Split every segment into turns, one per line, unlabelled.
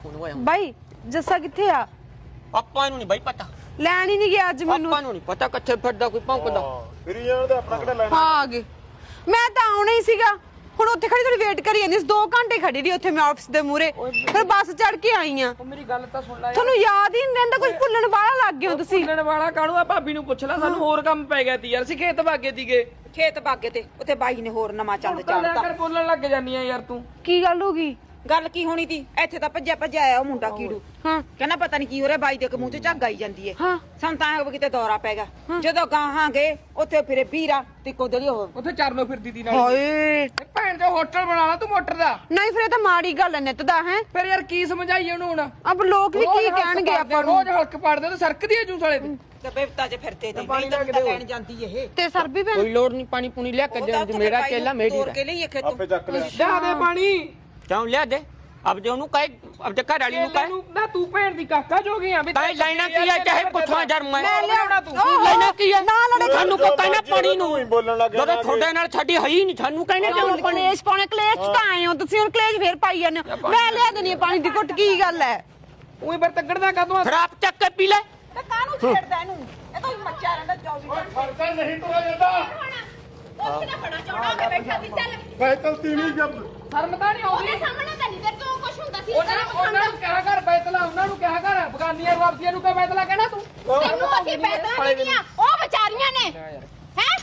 ਬਾਈ ਜੱਸਾ ਕਿੱਥੇ ਆ?
ਆਪਾਂ ਨੂੰ ਨਹੀਂ ਬਾਈ ਪਤਾ,
ਲੈਣ ਹੀ ਨਹੀਂ ਗਿਆ ਅੱਜ ਮੈਨੂੰ।
ਆਪਾਂ ਨੂੰ ਨਹੀਂ ਪਤਾ ਕਿੱਥੇ ਫਿਰਦਾ ਕੋਈ ਭੌਂਕਦਾ।
ਫਿਰੀ ਜਾਣ ਦੇ ਆਪਣਾ ਕਿਹੜਾ ਲੈਣਾ।
ਹਾਂ ਆ ਗਏ। ਮੈਂ ਤਾਂ ਆਉਣਾ ਹੀ ਸੀਗਾ, ਹੁਣ ਉੱਥੇ ਖੜੀ ਥੋੜੀ ਵੇਟ ਕਰੀ ਜਾਂਦੀ ਸੀ। 2 ਘੰਟੇ ਖੜੀ ਰਹੀ ਉੱਥੇ ਮੈਂ ਆਫਿਸ ਦੇ ਮੂਹਰੇ, ਫਿਰ ਬੱਸ ਚੜ ਕੇ ਆਈ ਆ।
ਮੇਰੀ ਗੱਲ ਤਾਂ ਸੁਣ ਲੈ।
ਤੁਹਾਨੂੰ ਯਾਦ ਹੀ ਨਹੀਂ ਰਹਿੰਦਾ, ਕੁਝ ਭੁੱਲਣ ਵਾਲਾ ਲੱਗ ਗਏ ਹੋ ਤੁਸੀਂ।
ਭੁੱਲਣ ਵਾਲਾ ਕਾਹਨੂੰ ਆ? ਭਾਬੀ ਨੂੰ ਪੁੱਛ ਲੈ, ਸਾਨੂੰ ਹੋਰ ਕੰਮ ਪੈ ਗਿਆ ਤੀ ਯਾਰ। ਅਸੀਂ ਖੇਤ ਭਾਗੇ ਤੀਗੇ।
ਖੇਤ ਬਾਗੇ ਤੇ ਉੱਥੇ ਬਾਈ ਨੇ ਹੋਰ ਨਵਾਂ ਚੰਦ ਚਾੜਤਾ।
ਕਰ ਬੋਲਣ ਲੱਗ ਜਾਨੀ ਆ ਯਾਰ ਤੂੰ।
ਕੀ ਗੱਲ ਹੋ ਗਈ?
ਗੱਲ ਕੀ ਹੋਣੀ ਤੀ? ਇੱਥੇ ਤਾਂ ਭੱਜਿਆ ਆਇਆ ਉਹ ਮੁੰਡਾ ਕੀੜੂ।
ਹਾਂ
ਕਹਿੰਦਾ ਪਤਾ ਨਹੀਂ ਕੀ ਹੋ ਰਿਹਾ, ਬਾਈ ਦੇ ਮੂੰਹ 'ਚ ਝੱਗ ਆਈ ਜਾਂਦੀ ਏ।
ਹਾਂ
ਸਾਨੂੰ ਤਾਂ ਐਂ ਕਿਤੇ ਦੌਰਾ ਪੈ ਗਿਆ। ਜਦੋਂ ਗਾਹਾਂ ਗਏ ਉੱਥੇ ਫਿਰੇ ਵੀਰਾ ਤੇ ਕੋਦਲੀ ਉਹ
ਉੱਥੇ ਚਰਨੋਂ ਫਿਰਦੀ ਤੀ ਨਾਲ।
ਹਾਏ
ਭੈਣ ਦੇ ਹੋਟਲ ਬਣਾ ਲਾ ਤੂੰ ਮੋਟਰ ਦਾ।
ਨਹੀਂ, ਫਿਰ ਇਹ ਤਾਂ ਮਾੜੀ ਗੱਲ ਹੈ ਨਿੱਤ ਦਾ। ਹੈ
ਫਿਰ ਯਾਰ ਕੀ ਸਮਝਾਈਏ ਉਹਨੂੰ ਹੁਣ?
ਅਬ ਲੋਕ ਵੀ ਕੀ ਕਹਿਣਗੇ ਆਪਾਂ ਨੂੰ?
ਰੋਜ਼ ਹਲਕ ਪੜਦੇ ਤੇ ਸਰਕਦੀ ਐ ਜੂਸ ਵਾਲੇ ਤੇ।
ਤੇ ਬੇਵਤਾ 'ਚ ਫਿਰਦੇ ਤੇ
ਪਾਣੀ
ਨਹੀਂ
ਲੈ
ਤਾਂ
ਕੇ
ਲੈਣ ਜਾਂਦੀ ਇਹ
ਤੇ ਸਰ ਵੀ ਭੈਣ
ਕੋਈ ਲੋੜ ਨਹੀਂ ਪਾਣੀ ਪੂਣੀ ਲਿਆ ਕੇ ਦੇ, ਮੇਰਾ ਕੇਲਾ ਮੇਰੀ
ਤੋੜ ਕੇ ਲਈ ਖੇਤੋਂ
ਆਪੇ ਚੱਕ ਲਿਆ।
ਲਿਆ ਦੇ ਪਾਣੀ।
ਕਿਉਂ ਲਿਆ ਦੇ? ਅਬ ਜੇ ਉਹਨੂੰ ਕਹੇ, ਅਬ ਜੇ ਘਰ ਵਾਲੀ ਨੂੰ ਕਹੇ
ਨਾ ਤੂੰ ਭੈਣ ਦੀ ਕਾਕਾ ਜੋ ਗਿਆ ਵੀ
ਤਾਂ ਲੈਣਾ ਕੀ ਹੈ, ਚਾਹੇ ਪੁੱਛਾਂ ਜਰ ਮੈਂ
ਲਿਆਉਣਾ ਤੂੰ।
ਲੈਣਾ ਕੀ ਹੈ?
ਨਾ ਲੜੇ
ਸਾਨੂੰ ਕੋ ਕਹਿਣਾ ਪਾਣੀ ਨੂੰ
ਹੀ ਬੋਲਣ ਲੱਗ ਗਿਆ।
ਜਦੋਂ ਤੁਹਾਡੇ ਨਾਲ ਸਾਡੀ ਹੈ ਹੀ ਨਹੀਂ, ਸਾਨੂੰ ਕਹਿੰਦੇ ਕਿਉਂ
ਕਲੇਸ਼ ਪਾਉਣੇ? ਕਲੇਸ਼ ਤਾਂ ਆਏ ਹੋ ਤੁਸੀਂ, ਹੁਣ ਕਲੇਸ਼ ਫੇਰ ਪਾਈ ਜਾਂਦੇ ਹੋ। ਮੈਂ ਲਿਆ ਦੇਣੀ ਪਾਣੀ ਦੀ ਘੁੱਟ, ਕੀ ਗੱਲ ਹੈ?
ਉਹੀ ਫਿਰ ਤੱਕੜਦਾ ਕਾਹਤੋਂ?
ਖਰਾਬ ਚੱਕ ਕੇ ਪੀ ਲੈ।
ਤੇ ਕਾਹਨੂੰ ਛੇੜਦਾ ਇਹਨੂੰ? ਇਹ ਤਾਂ ਮੱਚਿਆ ਰਹਿੰਦਾ 24 ਘੰਟੇ।
ਫਰਕਾ ਨਹੀਂ ਤੋੜਾ ਜਾਂਦਾ।
ਉੱਥੇ ਨਾ ਬੜਾ ਚੌੜਾ ਹੋ ਕੇ ਬੈਠਾ ਸੀ। ਚੱਲ
ਬੈਤਲ ਤੀਵੀਂ ਜਬ
ਸ਼ਰਮ ਤਾਂ ਨਹੀਂ ਆਉਂਦੀ?
ਉਹਦੇ ਸਾਹਮਣੇ ਤਾਂ ਨਹੀਂ ਤੇ ਤੂੰ ਕੁਛ ਹੁੰਦਾ ਸੀ।
ਉਹਨਾਂ ਨੂੰ ਕਿਹਾ ਕਰ ਬੈਤਲਾ, ਉਹਨਾਂ ਨੂੰ ਕਿਹਾ ਕਰ ਬਗਾਨੀਆਂ ਵਾਪਸੀਆਂ ਨੂੰ ਕਿਹਾ ਬੈਤਲਾ ਕਹਿਣਾ ਤੂੰ।
ਤੈਨੂੰ ਅਸੀਂ ਬੈਠਾ ਨਹੀਂ ਦੀਆਂ, ਉਹ ਵਿਚਾਰੀਆਂ ਨੇ ਹੈ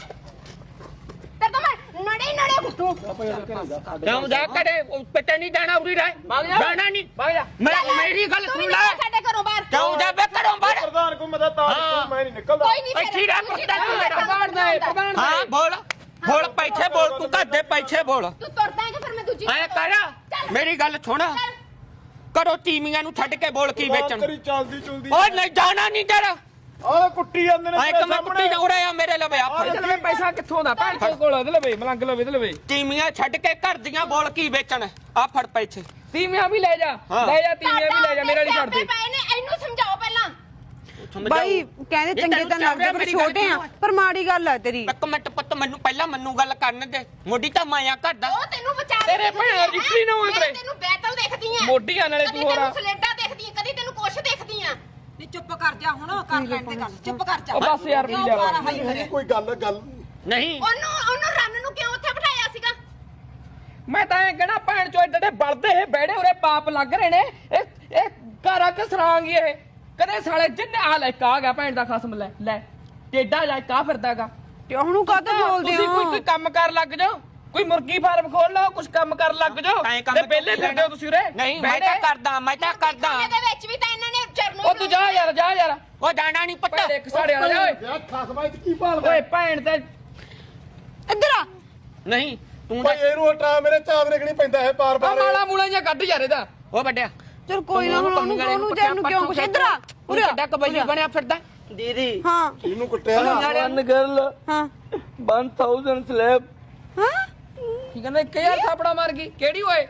ਤੇ ਤੁਮ ਨੜੇ ਘੁੱਟੂ।
ਕਿਉਂ ਜਾ ਕਰੇ ਪਿੱਟੇ ਨਹੀਂ ਜਾਣਾ, ਉਰੀ ਰਹਿ ਜਾਣਾ ਨਹੀਂ।
ਭਾਗ ਜਾ।
ਮੇਰੀ ਗੱਲ
ਤੂੰ
ਸੁਣ
ਵੀ
ਲੈ।
ਨਿਕਲ ਸਾਡੇ ਘਰੋਂ ਬਾਹਰ।
ਕਿਉਂ ਜਾਵੇ ਘਰੋਂ ਬਾਹਰ?
ਪ੍ਰਧਾਨ ਕੋ ਮਦਦ ਤਾਂ ਮੈਂ ਨਹੀਂ ਨਿਕਲਦਾ।
ਕੋਈ ਨਹੀਂ
ਇੱਥੇ ਰਹਿ ਪ੍ਰਧਾਨ ਤੂੰ ਮੇਰਾ।
ਪ੍ਰਧਾਨ ਦਾ ਹੈ, ਪ੍ਰਧਾਨ ਦਾ
ਹਾਂ ਬੋਲ ਬੋਲ, ਪੈਸੇ ਬੋਲ, ਤੂੰ ਘਰ ਦੇ ਪੈਸੇ ਬੋਲ।
ਤੂੰ ਤੁਰਦਾ ਹੈ ਕਿ ਫਿਰ ਮੈਂ ਦੂਜੀ
ਐ ਕਰ, ਮੇਰੀ ਗੱਲ ਸੁਣ, ਕਰੋ ਤੀਮੀਆਂ ਨੂੰ ਛੱਡ ਕੇ ਬੋਲ ਕੀ ਵੇਚਣ।
ਤੇਰੀ ਚੱਲਦੀ ਚੁਲਦੀ।
ਓਏ ਨਹੀਂ ਜਾਣਾ ਨਹੀਂ ਤੇਰਾ।
ਆਹ ਕੁੱਟੀ ਜਾਂਦੇ ਨੇ
ਐ ਕਿ ਮੈਂ ਕੁੱਟੀ ਜਾ ਰਿਹਾ ਮੇਰੇ ਲਵੇ ਆ
ਇਹਦੇ ਲਵੇ ਪੈਸਾ ਕਿੱਥੋਂ ਦਾ? ਭੈਣ ਚੋਦ ਕੋਲ ਇਹਦੇ ਲਵੇ, ਮਲੰਗ ਲਵੇ ਇਹਦੇ ਲਵੇ।
ਤੀਮੀਆਂ ਛੱਡ ਕੇ ਘਰ ਦੀਆਂ ਬੋਲ ਕੀ ਵੇਚਣ। ਆ ਫੜ ਪੈਸੇ।
ਤੀਵੀਆਂ ਵੀ ਲੈ ਜਾ, ਲੈ ਜਾ ਤੀਵੀਆਂ ਵੀ ਲੈ ਜਾ, ਮੇਰੇ ਵਾਲੀ ਛੱਡ ਦੇ।
ਪਏ ਨੇ, ਇਹਨੂੰ ਸਮਝਾਓ ਪਹਿਲਾਂ।
ਬਾਈ ਕਹਿੰਦੇ ਚੰਗੇ ਤਾਂ ਲੱਗਦੇ ਪਰ ਛੋਟੇ ਆ, ਪਰ ਮਾੜੀ ਗੱਲ ਹੈ ਤੇਰੀ।
ਇੱਕ ਮਿੰਟ ਪੁੱਤ, ਮੈਨੂੰ ਪਹਿਲਾਂ ਮੈਨੂੰ ਗੱਲ ਕਰਨ ਦੇ। ਮੋਢੀ ਤਾਂ ਮਾਇਆ ਕਰਦਾ।
ਉਹ ਤੈਨੂੰ ਵਿਚਾਰ
ਤੇਰੇ ਭੈਣ ਰਿਕਰੀ ਨਾ ਹੋਏ ਤੇਰੇ।
ਤੈਨੂੰ ਬੈਤਲ ਦੇਖਦੀ ਆ,
ਮੋਢੀਆਂ ਨਾਲੇ ਤੂੰ ਹੋਰ ਆ।
ਕਦੀ ਸਲੇਡਾ ਦੇਖਦੀ ਆ, ਕਦੀ ਤੈਨੂੰ ਕੁਛ ਦੇਖਦੀ ਆ।
ਨੀ ਚੁੱਪ ਕਰ ਜਾ ਹੁਣ, ਕਰ ਲੈਣ ਤੇ ਗੱਲ। ਚੁੱਪ ਕਰ ਜਾ।
ਉਹ ਬਸ ਯਾਰ ਪੀ ਜਾ।
ਕੋਈ ਗੱਲ
ਨਹੀਂ
ਉਹਨੂੰ ਰੰਨ ਨੂੰ ਕਿਉਂ ਉੱਥੇ ਬਿਠਾਇਆ ਸੀਗਾ?
ਮੈਂ ਤਾਂ ਇਹ ਕਹਿਣਾ ਭੈਣ ਚੋ ਏਡੇ ਬਲਦੇ ਇਹ ਬੈੜੇ ਉਰੇ ਪਾਪ ਲੱਗ ਰਹੇ ਨੇ। ਇਹ ਘਰ ਆ ਕੇ ਸਰਾਂਗੀ ਇਹ ਕਦੇ ਸਾਲੇ ਜਿੰਨੇ ਆ ਲੈ ਆ ਗਿਆ ਭੈਣ ਦਾ ਖਸਮ। ਲੈ ਲੈ ਟੇਡਾ ਜਾ ਕਾ ਫਿਰਦਾਗਾ।
ਤੇ ਉਹਨੂੰ ਕਾਹਤੋਂ ਬੋਲਦੇ
ਤੁਸੀਂ
ਹੋ?
ਕੋਈ ਕੰਮ ਕਰ ਲੱਗ ਜਾਓ, ਕੋਈ ਮੁਰਗੀ ਫਾਰਮ ਖੋਲ ਲਓ, ਕੁਝ ਕੰਮ ਕਰ ਲੱਗ ਜਾਓ। ਤੇ ਪਹਿਲੇ ਫਿਰਦੇ ਹੋ ਤੁਸੀਂ ਉਰੇ।
ਨਹੀਂ ਮੈਂ ਤਾਂ ਕਰਦਾ, ਮੈਂ ਤਾਂ ਕਰਦਾ।
ਇਹਦੇ ਵਿੱਚ ਵੀ ਤਾਂ ਇਹਨਾਂ ਨੇ ਚਰਨੋਂ
ਉਹ ਤੂੰ ਜਾ ਯਾਰ, ਜਾ ਯਾਰ।
ਉਹ ਜਾਣਾ ਨਹੀਂ ਪੁੱਤ।
ਭੈੜੇ ਕਸਾੜੇ ਵਾਲਾ ਜਾ ਓਏ।
ਯਾਰ ਖਸਮਾਈ ਕੀ ਭਾਲਦਾ?
ਓਏ ਭੈਣ ਤੇ
ਇੱਧਰ ਆ।
ਨਹੀਂ ਤੂੰ
ਭਾਈ ਇਹਨੂੰ ਹਟਾ, ਮੇਰੇ ਚਾਵ ਰਗਣੀ ਪੈਂਦਾ ਹੈ ਬਾਰ
ਆ
ਬਾਰ।
ਮਾਲਾ ਮੂਲਾ ਜਾਂ ਕੱਢ ਯਾਰ ਇਹਦਾ।
ਉਹ ਵੱਡਿਆ
ਚਲ ਕੋਈ ਨਾ, ਹੁਣ ਉਹਨੂੰ ਜਾਨੂੰ ਕਿਉਂ ਕੁਛ। ਇੱਧਰ ਆ
ਪੂਰਾ ਵੱਡਾ ਕਬੱਡੀ ਬਣਿਆ ਫਿਰਦਾ।
ਦੀਦੀ
ਹਾਂ
ਇਹਨੂੰ ਕੁੱਟਿਆ।
ਵਨ ਗਰਲ
ਹਾਂ
1000 ਸਲੈਬ।
ਹਾਂ
ਕੀ ਕਹਿੰਦਾ 1000 ਥਾਪੜਾ ਮਾਰ ਗਈ? ਕਿਹੜੀ ਓਏ?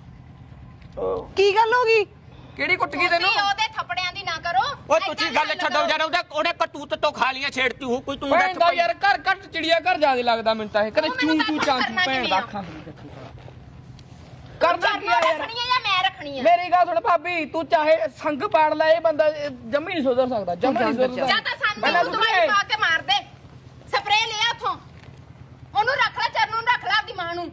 ਕੀ ਗੱਲ ਹੋ ਗਈ?
ਕਿਹੜੀ ਕੁੱਟ ਗਈ ਤੈਨੂੰ?
ਤੁਸੀਂ ਉਹਦੇ ਥੱਪੜਿਆਂ ਦੀ ਨਾ ਕਰੋ।
ਓਏ ਤੁਸੀਂ ਗੱਲ ਛੱਡੋ ਯਾਰ, ਉਹਦੇ ਕਤੂਤ ਤੋਂ ਖਾ ਲੀਆਂ ਛੇੜਤੀ ਹੋ ਕੋਈ। ਤੂੰ
ਭੈਣ ਦਾ ਯਾਰ ਘਰ ਘੱਟ ਚਿੜੀਆ ਘਰ ਜਿਆਦਾ ਲੱਗਦਾ ਮੈਨੂੰ ਤਾਂ ਇਹ। ਕਦੇ ਚੂੰ ਚੂੰ ਚਾਂ ਚੂੰ ਭੈਣ ਦਾ ਅੱਖਾਂ ਕਰਦਾ ਕੀ ਆ ਯਾਰ?
ਰੱਖਣੀ ਆ ਜਾਂ ਮੈਂ ਰੱਖਣੀ ਆ?
ਮੇਰੀ ਗੱਲ ਸੁਣ ਭਾਬੀ, ਤੂੰ ਚਾਹੇ ਸੰਗ ਪਾੜ ਲੈ, ਇਹ ਬੰਦਾ ਜੰਮੀ ਨਹੀਂ ਸੁਧਰ ਸਕਦਾ, ਜੰਮੀ ਨਹੀਂ ਸੁਧਰਦਾ।
ਜਾਂ ਤਾਂ ਸਾਨੂੰ ਦਵਾਈ ਪਾ ਕੇ ਮਾਰ ਦੇ, ਸਪਰੇਅ ਲਿਆ ਉਥੋਂ। ਉਹਨੂੰ ਰੱਖ ਲੈ, ਚਰਨੋਂ ਨੂੰ ਰੱਖ ਲੈ, ਆਪਦੀ ਮਾਂ ਨੂੰ।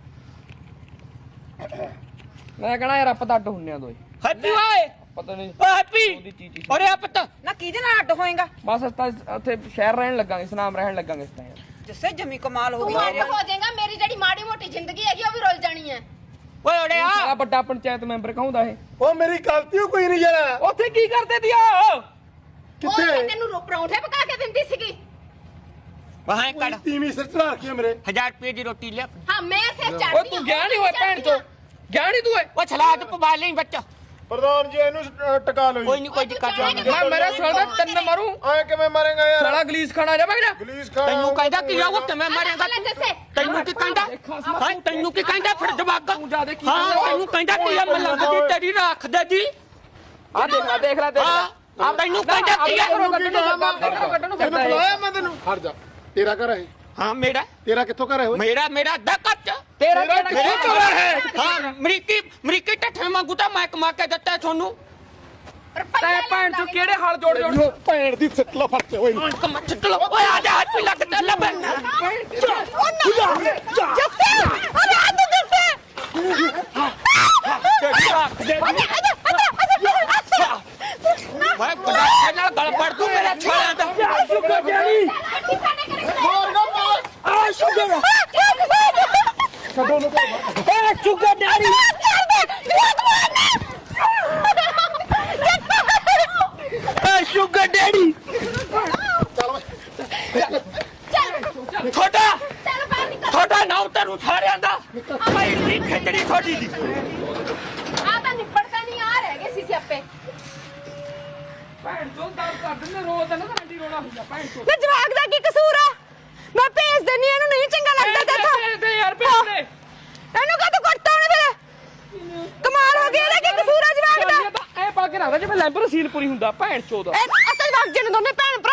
ਮੈਂ ਕਹਣਾ ਯਾਰ ਆਪਾਂ ਤਾਂ ਅੱਡ ਹੁੰਨੇ ਆ ਦੋਏ।
ਹੈਪੀ ਓਏ,
ਪਤਾ ਨਹੀਂ
ਓ ਹੈਪੀ ਓਰੇ ਆ ਪੁੱਤ।
ਨਾ ਕਿਹਦੇ ਨਾਲ ਅੱਡ ਹੋਏਗਾ?
ਬਸ ਅਸੀਂ ਤਾਂ ਉੱਥੇ ਸ਼ਹਿਰ ਰਹਿਣ ਲੱਗਾਂਗੇ, ਸਨਾਮ ਰਹਿਣ ਲੱਗਾਂਗੇ ਇਸ ਤਾਂ ਯਾਰ।
ਜਿਸੇ ਜਮੀ ਕਮਾਲ ਹੋ
ਤੂੰ
ਗਈ।
ਅੱਡ ਹੋ ਜਾਏਗਾ, ਮੇਰੀ ਜਿਹੜੀ ਮਾੜੀ ਮੋਟੀ ਜ਼ਿੰਦਗੀ ਹੈਗੀ ਉਹ ਵੀ ਰੁਲ ਜਾਣੀ ਹੈ।
ਓਏ ਓਰੇ ਆ।
ਸਾਲਾ ਵੱਡਾ ਪੰਚਾਇਤ ਮੈਂਬਰ ਕਹਾਉਂਦਾ ਇਹ।
ਉਹ ਮੇਰੀ ਗਲਤੀ ਓ ਕੋਈ ਨਹੀਂ ਯਾਰ।
ਉੱਥੇ ਕੀ ਕਰਦੇ ਦਿਆ?
ਉਹ
ਕਿੱਥੇ?
ਤਾਂ ਤੈਨੂੰ ਪਰੌਂਠੇ ਪਕਾ ਕੇ ਦਿੰਦੀ ਸੀਗੀ।
ਵਾਹਾਂ ਕੱਢ
ਤੀਵੀਂ ਸਿਰ ਚੜਾ ਰੱਖੀ ਆ ਮੇਰੇ।
1000 ਰੁਪਏ ਦੀ ਰੋਟੀ ਲਿਆ।
ਹਾਂ ਮੈਂ ਸਿਰ ਚੜਦੀ।
ਓਏ ਤੂੰ ਗਿਆ ਨਹੀਂ ਹੋਇਆ ਭੈਣ ਚੋ? ਗਿਆ ਨਹੀਂ ਤੂੰ ਓਏ?
ਉਹ ਸਲਾਦ ਪਵਾ ਲਈ ਬੱਚਾ।
ਪ੍ਰਧਾਨ ਜੀ ਇਹਨੂੰ ਟਕਾ ਲਓ
ਕੋਈ ਨਹੀਂ, ਕੋਈ ਦਿੱਕਤ ਨਹੀਂ।
ਮੈਂ ਮੇਰੇ ਸਾਲਾ ਦਾ ਤਿੰਨ ਮਾਰੂ।
ਆਏ ਕਿਵੇਂ ਮਾਰੇਗਾ ਯਾਰ?
ਸਾਲਾ ਗਲੀਸ ਖਾਣਾ ਜਾ ਬਗੜਾ।
ਗਲੀਸ ਖਾ।
ਤੈਨੂੰ ਕਹਿੰਦਾ ਕੀ ਆ, ਉਹ ਕਿਵੇਂ ਮਾਰੇਗਾ
ਲੈ
ਤੂੰ?
ਜੱਸੇ।
ਤੈਨੂੰ ਕੀ ਕਹਿੰਦਾ? ਹਾਂ ਤੈਨੂੰ ਕੀ ਕਹਿੰਦਾ ਫਿਰ ਜਵਾਗਾ?
ਤੂੰ ਜਾ ਦੇ ਕੀ
ਹਾਂ ਤੈਨੂੰ ਕਹਿੰਦਾ ਕੀ ਆ, ਮਲੰਗ ਦੀ ਤੇਰੀ ਰੱਖ ਦੇ ਜੀ।
ਆ ਦੇਖ ਲੈ, ਦੇਖ ਲੈ, ਦੇਖ ਲੈ।
ਆ ਤੈਨੂੰ ਕਹਿੰਦਾ ਕੀ ਆ?
ਕੱਢਣ ਨੂੰ ਫਿਰਦਾ
ਤੈਨੂੰ ਬੁਲਾਇਆ ਮੈਂ ਤੈਨੂੰ। ਹਟ ਜਾ, ਤੇਰਾ ਘਰ ਹੈ।
ਹਾਂ ਮੇਰਾ
ਤੇਰਾ ਕਿੱਥੋਂ ਘਰ ਹੈ ਓਏ
ਮੇਰਾ ਅੱਧਾ ਕੱਚ
ਤੇਰਾ
ਤੇਰਾ
ਕਿਹੜਾ
ਕਿਹੜਾ
ਘਰ
ਹੈ?
ਹਾਂ ਅਮਰੀਕੀ ਟੱਠੇ ਵਾਂਗੂ ਤਾਂ ਮੈਂ ਕਮਾ ਕੇ ਦਿੱਤਾ ਤੁਹਾਨੂੰ
ਤੈ ਭੈਣ ਚੋ ਕਿਹੜੇ ਹਾਲ ਜੋੜ ਜੋੜ
ਭੈਣ ਦੀ ਸਿੱਟ ਲਾ ਫੜ ਓਏ
ਕਮਾ ਚੱਟ ਲੋ ਓਏ ਆ ਜਾ ਹੱਥ ਲੱਗਦਾ ਲੱਭ
ਜੱਸੇ ਅਰੇ ਆ ਤੂੰ ਜੱਸੇ
ਮੈਂ ਬੜਾ ਨਾਲ ਗਲ ਪੜ ਦੂੰ ਮੇਰੇ ਛਾਲਿਆਂ ਦਾ
ਸ਼ੁਕਰ ਡੈਡੀ ਆ ਸ਼ੁਕਰ
ਛੱਡੋ ਨੂੰ
ਏ ਸ਼ੁਕਰ ਡੈਡੀ ਏ ਸ਼ੁਕਰ ਡੈਡੀ
ਤੁਹਾਡਾ ਨਾਮ ਤੈਨੂੰ ਸਾਰਿਆਂ ਦਾ ਭਾਈ ਦੀ ਖੇਤੜੀ ਤੁਹਾਡੀ ਦੀ
ਆ ਤਾਂ ਨਿਪੜਦਾ ਨਹੀਂ ਆ ਰਹਿ ਗਏ ਸੀ ਸਿਆਪੇ
ਭੈਣ ਚੋ ਦਰਦ ਕਰ ਦਿੰਦੇ ਰੋਜ਼ ਨਾ ਰੰਡੀ ਰੋਣਾ ਹੁੰਦਾ ਭੈਣ ਚੋ
ਨਾ ਜਵਾਕ ਦਾ ਕੀ ਕਸੂਰ ਆ ਮੈਂ ਭੇਜ ਦਿੰਨੀ ਇਹਨੂੰ ਨਹੀਂ ਚੰਗਾ ਲੱਗਦਾ
ਤੇ ਯਾਰ ਭੇਜ ਦੇ
ਇਹਨੂੰ ਕਾ ਤੂੰ ਕੁੱਟਦਾ ਉਹਨੇ ਫਿਰ ਕਮਾਲ ਹੋ ਗਈ ਇਹਦਾ ਕੀ ਕਸੂਰ ਆ ਜਵਾਕ ਦਾ
ਐ ਪਾ ਕੇ ਰੱਖਦਾ ਜਿਵੇਂ ਲੈਂਬਰ ਸੀਲ ਪੂਰੀ ਹੁੰਦਾ ਭੈਣ ਚੋ ਦਾ
ਇਹ ਅਸਲ ਵਕਤ ਜਿਹਨੇ ਦੋਨੇ ਭੈਣ ਭਰਾ